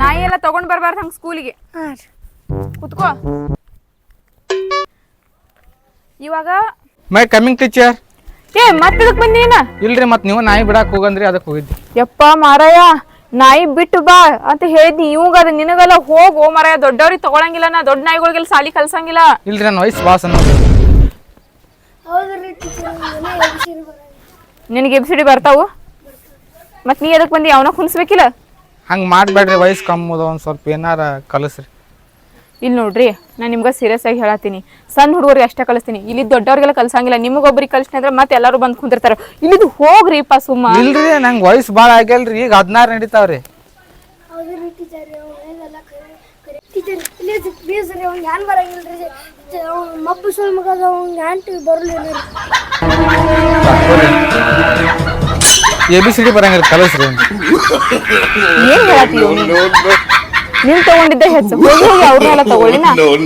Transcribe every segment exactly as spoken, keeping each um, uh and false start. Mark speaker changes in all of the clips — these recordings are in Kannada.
Speaker 1: ನಾಯಿ ಎಲ್ಲ ತಗೊಂಡ್ ಬರ್ಬಾರ್ದು ಹಂಗ ಸ್ಕೂಲಿಗೆ. ಕುತ್ಕೋ. ಇವಾಗ
Speaker 2: ಮೈ ಕಮಿಂಗ್ ಟೀಚರ್.
Speaker 1: ಏ ಮತ್ತದಕ್ ಬಂದೀನ?
Speaker 2: ಇಲ್ರಿ ಮತ್ ನೀವು ನಾಯಿ ಬಿಡಾಕ್ ಹೋಗಂದ್ರಿ ಅದಕ್ಕೆ ಹೋಗಿದ್ದಿ.
Speaker 1: ಯಪ್ಪ ಮಾರಾಯ, ನಾಯಿ ಬಿಟ್ಟು ಬಾ ಅಂತ ಹೇಳಿದ್ನಿ. ಇವಂಗ ಅದ ನಿನಗೆಲ್ಲ ಹೋಗು ಮಾರಾಯ. ದೊಡ್ಡವ್ರಿಗೆ ತಗೊಳಂಗಿಲ್ಲ, ನಾ ದೊಡ್ಡ ನಾಯಿಗಳಿಗೆಲ್ಲ ಸಾಲಿ ಕಲ್ಸಂಗಿಲ್ಲ.
Speaker 2: ಇಲ್ರಿ ನನ್ನ ವಯಸ್ಸು ಬಾಸ್ ಅನ್ನೋ.
Speaker 1: ನಿನಗೆ ಎಬ್ಸಿಡಿ ಬರ್ತಾವು? ಮತ್ ನೀ ಎದಕ್ ಬಂದಿ? ಅವನ ಕುಣಿಸ್ಬೇಕಿಲ್ಲ?
Speaker 2: ಹಂಗೆ ಮಾಡಬೇಡ್ರಿ, ವಯಸ್ಸು ಕಮ್ಮಿ ಅದ, ಒಂದು ಸ್ವಲ್ಪ ಏನಾರ ಕಲಿಸ್ರಿ.
Speaker 1: ಇಲ್ಲಿ ನೋಡ್ರಿ, ನಾನು ನಿಮ್ಗೆ ಸೀರಿಯಸ್ ಆಗಿ ಹೇಳತ್ತೀನಿ. ಸಣ್ಣ ಹುಡುಗರಿಗೆ ಅಷ್ಟೇ ಕಲಿಸ್ತೀನಿ, ಇಲ್ಲಿ ದೊಡ್ಡವ್ರಿಗೆಲ್ಲ ಕಲ್ಸಂಗಿಲ್ಲ. ನಿಮಗೊಬ್ರಿಗೆ ಕಲಿಸ್ತೀನಿ ಅಂದ್ರೆ ಮತ್ತೆ ಎಲ್ಲರೂ ಬಂದು ಕುಂದಿರ್ತಾರೆ. ಇಲ್ಲಿದು ಹೋಗ್ರಿ ಪಾ ಸುಮ್ಮ.
Speaker 2: ಇಲ್ರಿ ನಂಗೆ ವಯಸ್ಸು ಭಾಳ ಆಗ್ಯಲ್ರಿ, ಈಗ ಹದಿನಾರು ನಡೀತಾವ್ರಿ. ಎ ಬಿ ಸಿ ಡಿ ಬರಂಗಿಲ್ಲ, ಕಲಿಸ್ರಿ.
Speaker 1: ಏನ್ ಹೇಳತ್ತೀವಿ? ನೀನ್ ತಗೊಂಡಿದ್ದೆ ಹೆಚ್ಚು, ಹೋಗಿ ಹೋಗಿ ಅವ್ರನ್ನೆಲ್ಲ ತಗೊಳ್ಳಿ.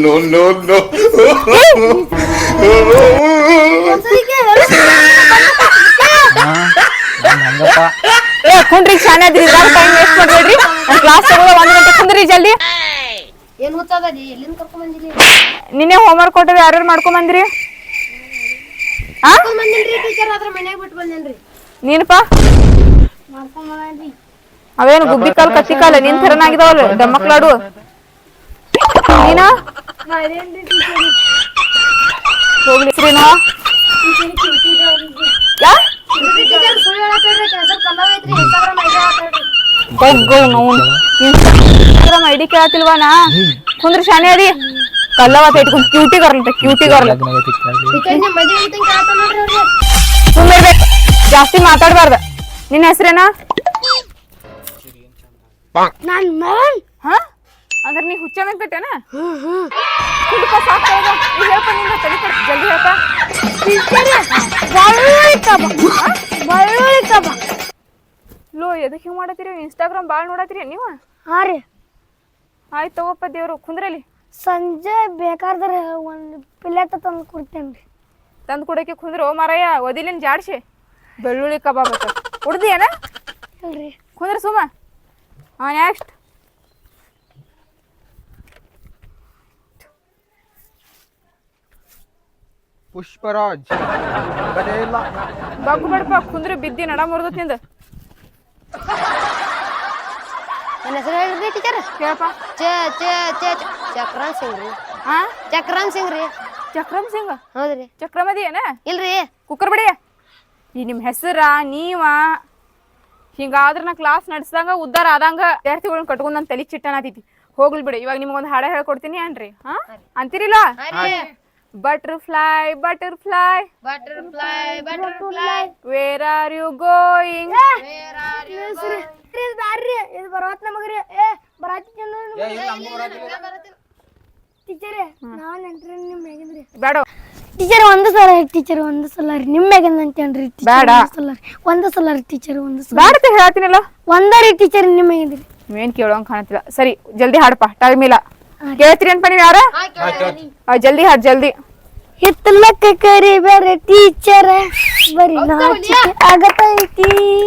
Speaker 1: ಕುಂದ್ರಿ, ಶಾನೆ ಅದ್ರಿ, ಟೈಮ್ ವೇಸ್ಟ್ ಮಾಡ್ಬೇಡ್ರಿ. ನಾನು ಕ್ಲಾಸ್ ತಗೊಳ್ಳೋ ಒಂದ್ ಗಂಟೆ ಕುಂದ್ರಿ ಜಲ್ದಿ. ನಿನ್ನೆ ಹೋಮ್ವರ್ಕ್ ಕೊಟ್ಟರೆ ಯಾರ್ಯಾರು ಮಾಡ್ಕೊಂಡ್ ಬಂದ್ರಿ? ನೀನಪ್ಪ ಅವೇನು ಗುಬ್ಬಿ ಕಾಲ್ ಕತ್ತಿ ಕಾಲ ನಿನ್ ಥರನಾಗಿದಾವಲ್ಲ ದಮ್ಮಕ್ಲಾಡು. ನೀನ ಹೋಗ್ಲಿ ಶ್ರೀನಾ. Instagram ID ಕೇಳತಿಲ್ವಾನಾ? ಕುಂದ್ರ ಶಾನೆ ಅದಿ ಕಲ್ಲವತ್ತ ಇಟ್ಕೊಂಡು ಕ್ಯೂಟಿ ಗರ್ಲ್ ಕ್ಯೂಟಿ ಗರ್ಲ್ ಸುಮ್ಮಿರ್ಬೇಕು, ಜಾಸ್ತಿ ಮಾತಾಡ್ಬಾರ್ದ. ನಿನ್ನ ಹೆಸರೇನಾ? ಹಾ ಅಂದ್ರೆ ನೀ ಹುಚ್ಚ ಕಟ್ಟೇನ? ಜಲ್ದಿ ಹೇಳ್ಪ. ಲೋ ಎದಕ್ ಹಿಂಗ್ ಮಾಡತ್ತೀರಿ? ಇನ್ಸ್ಟಾಗ್ರಾಮ್ ಬಾಳ್ ನೋಡತ್ತೀರಿ ನೀವು?
Speaker 3: ಹಾ ರೀ.
Speaker 1: ಆಯ್ತು ತಗೋಪ್ಪ ದೇವ್ರು, ಕುಂದ್ರಲ್ಲಿ.
Speaker 3: ಸಂಜೆ ಬೇಕಾದ್ರೆ ಒಂದು ಪ್ಲೇಟ್ ತಂದು ಕೊಡ್ತೇನ್ರಿ.
Speaker 1: ತಂದು ಕೊಡೋಕೆ ಕುಂದ್ರು ಮಾರಾಯ, ಒದಿಲಿನ ಜಾಡ್ಸಿ ಬೆಳ್ಳುಳ್ಳಿ ಕಬಾಬ್ ಕುಡ್ದಿಯೇನ?
Speaker 3: ಇಲ್ರಿ
Speaker 1: ಕುಂದ್ರ ಸುಮ್ಮ. ಹಾ ನೆಕ್ಸ್ಟ್.
Speaker 2: ಪುಷ್ಪರಾಜ್
Speaker 1: ಬಗ್ಗು ಬಡಪ ಕುಂದ್ರೆ ಬಿದ್ದಿ ನಡ ಮುರ್ದತ್ ನಿಂದ.
Speaker 3: ನನ್ನ ಹೆಸರು ಹೇಳ್ರಿ ಟೀಚರ್.
Speaker 1: ಕೇಳಪ್ಪ.
Speaker 3: ಚಕ್ರನ್ ಸಿಂಗ್ ರೀ.
Speaker 1: ಹಾ
Speaker 3: ಚಕ್ರನ್ ಸಿಂಗ್ ರೀ.
Speaker 1: ಚಕ್ರಮ್ ಸಿಂಗ್?
Speaker 3: ಹೌದ್ರಿ.
Speaker 1: ಚಕ್ರಮದಿ ಏನ?
Speaker 3: ಇಲ್ರಿ.
Speaker 1: ಕುಕ್ಕರ್ ಬಡಿ. ಈ ನಿಮ್ ಹೆಸರ ನೀವ ಹಿಂಗಾದ್ರ ನಾ ಕ್ಲಾಸ್ ನಡ್ಸ್ದಂಗ ಉದ್ದಾರ ಆದಂಗ ವಿದ್ಯಾರ್ಥಿಗಳನ್ನ ಕಟ್ಕೊಂಡ್ ನನ್ ತಲಿ ಚಿಟ್ಟನಾತೈತಿ. ಹೋಗ್ಲಿ ಬಿಡಿ, ಇವಾಗ ನಿಮ್ಗೊಂದು ಹಾಡ ಹೇಳ್ಕೊಡ್ತೀನಿ ಅನ್ರಿ. ಹಾ ಅಂತೀರಿಲ್ಲ? Butterfly, butterfly,
Speaker 3: butterfly, butterfly.
Speaker 1: Where are you going?
Speaker 3: Where are you going? This barri, this barat na magri. Eh, barati chanu. Eh, ಇಲ್ಲ ನಮಗೂ ಬರತ್ತಿಲ್ಲ. ಟೀಚರ್, ನಾನು ಎಂಟ್ರಿ ನಿಮ್ಮ ಮೇಗಿಂದ್ರಿ.
Speaker 1: ಬೇಡ.
Speaker 3: ಟೀಚರ್ ಒಂದು ಸಲ ಟೀಚರ್ ಒಂದು ಸಲ ರೀ ನಿಮ್ಮ ಮೇಗಿಂದ ಅಂತೇನ್ರಿ ಟೀಚರ್.
Speaker 1: ಬೇಡ.
Speaker 3: ಒಂದು ಸಲ ರೀ ಟೀಚರ್ ಒಂದು ಸಲ.
Speaker 1: ಬೇಡ ಅಂತ ಹೇಳ್ತೀನಲ್ಲ.
Speaker 3: ಒಂದರಿ ಟೀಚರ್ ನಿಮ್ಮ ಮೇಗಿಂದ್ರಿ.
Speaker 1: ಏನ್ ಕೇಳೋಂಗ್ ಕಾಣತಿಲ್ಲ. ಸರಿ ಜಲ್ದಿ ಹಾಡಪ್ಪ, ಟೈಮ್ ಇಲ್ಲ. ಕೇಳ್ತೀರಿ ಅನ್ಪ ನೀವು ಯಾರ? ಜಲ್ದಿ ಹಾಡ್ ಜಲ್ದಿ.
Speaker 3: ಹಿತ್ತಲಕ್ಕ ಕರಿ ಬೇರೆ ಟೀಚರ್ ಬರಿ ನಾಚಿಕೆ ಆಗತೈತಿ.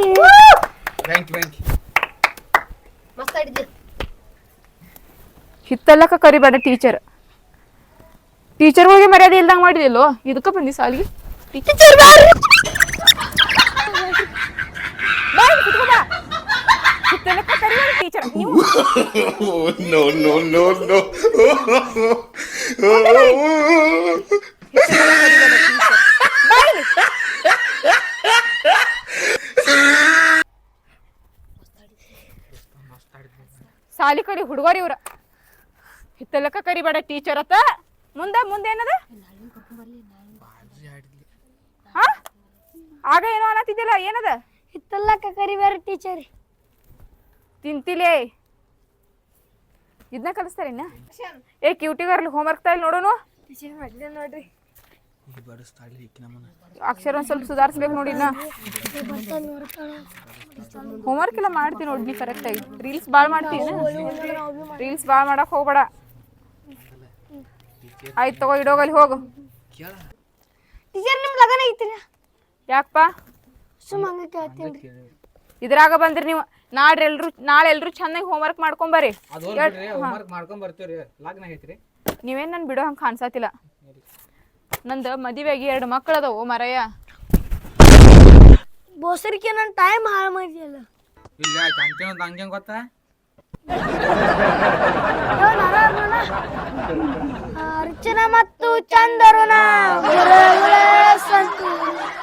Speaker 3: ಮಸ್ತ್ ಆಡಿದ್ರಿ.
Speaker 1: ಹಿತ್ತಲಕ್ಕ ಕರಿಬೇಡ ಟೀಚರ್. ಟೀಚರ್ಗಳಿಗೆ ಮರ್ಯಾದೆ ಇಲ್ದಂಗ ಮಾಡಿದಿಲ್ಲೋ, ಇದಕ್ಕ ಬಂದಿ ಸಾಲಿಗೆ. ಟೀಚರ್ ಹಿತ್ತಲಕ್ಕ ಕರಿಬೇಡ ಟೀಚರ್. ನೀವು
Speaker 4: ನೋ ನೋ ನೋ ನೋ
Speaker 1: ಸಾಲಿ ಕರಿ ಹುಡುಗರಿ ಇವ್ರ. ಹಿತ್ತಲಕ್ಕ ಕರಿಬೇಡ ಟೀಚರ್ ಅತ್ತ. ಮುಂದ ಮುಂದೆ ಏನದ? ಆಗ ಏನೋ ಅನ್ನತ್ತಿದ್ದಿಲ್ಲ, ಏನದ?
Speaker 3: ಹಿತ್ತಲಕ್ಕ ಕರಿಬೇಡ ಟೀಚರ್.
Speaker 1: ತಿಂತಿಲೇ ಇದನ್ನ ಕಲಿಸ್ತಾರ ಇನ್ನ. ಏ ಕ್ಯೂಟಿಗರ್ಲಿ ಹೋಮ್ವರ್ಕ್ ತಾಯಿಲ್ ನೋಡೋನು.
Speaker 3: ನೋಡ್ರಿ
Speaker 1: ಅಕ್ಷರ ಒಂದ್ ಸ್ವಲ್ಪ ಸುಧಾರಿಸ್ಬೇಕು ನೋಡಿ. ಇನ್ನ ಹೋಮ್ವರ್ಕ್ ಎಲ್ಲ ಮಾಡ್ತೀನಿ ನೋಡಿ ಕರೆಕ್ಟ್ ಆಗಿ. ರೀಲ್ಸ್ ಬಾಳ್ ಮಾಡ್ತೀನಿ. ರೀಲ್ಸ್ ಬಾಳ್ ಮಾಡಕ್ ಹೋಗ್ಬೇಡ. ಆಯ್ತು ತಗೋ, ಇಡೋಗಲ್ಲಿ ಹೋಗು.
Speaker 3: ಟೀಚರ್ ನಿಮ್ ಲಗನ ಐತಿ?
Speaker 1: ಯಾಕಪ್ಪ?
Speaker 3: ಸುಮ್ಮ ಹಂಗ ಕೇಳ್ತೀನಿ.
Speaker 1: ಇದ್ರಾಗ ಬಂದ್ರಿ ನೀವು ನಾಡ್ರಿ ಎಲ್ರು ನಾಳೆ ಎಲ್ರು ಚೆನ್ನಾಗಿ ಹೋಮ್ವರ್ಕ್ ಮಾಡ್ಕೊಂಬರ್ರಿ.
Speaker 2: ಅದು ಹೋಗ್ಬಿಡ್ರಿ ಹೋಮ್ವರ್ಕ್ ಮಾಡ್ಕೊಂಡ್ ಬರ್ತೀವ್ರಿ. ಲಗ್ನ ಐತ್ರಿ.
Speaker 1: ನೀವೇನ್ ನನ್ ಬಿಡೋ ಹಂಗ ಕಾಣ್ಸತಿಲ್ಲ. ನಂದು ಮದುವೆಗೆ ಎರಡು ಮಕ್ಕಳು ಅದಾವು ಮರಯ್ಯ.
Speaker 3: ಬೋಸರಿಕೆ ನನ್ನ ಟೈಮ್ ಹಾಳು ಮಾಡಿದಲ್ಲ.
Speaker 2: ಇಲ್ಲ ಚಂತೆ ಒಂದು ಹಂಗೆ ಗೊತ್ತಾ
Speaker 3: ಅರ್ಚನಾ ಮತ್ತು ಚಂದರುಣ ಗುರುಗಳ ಸಂತು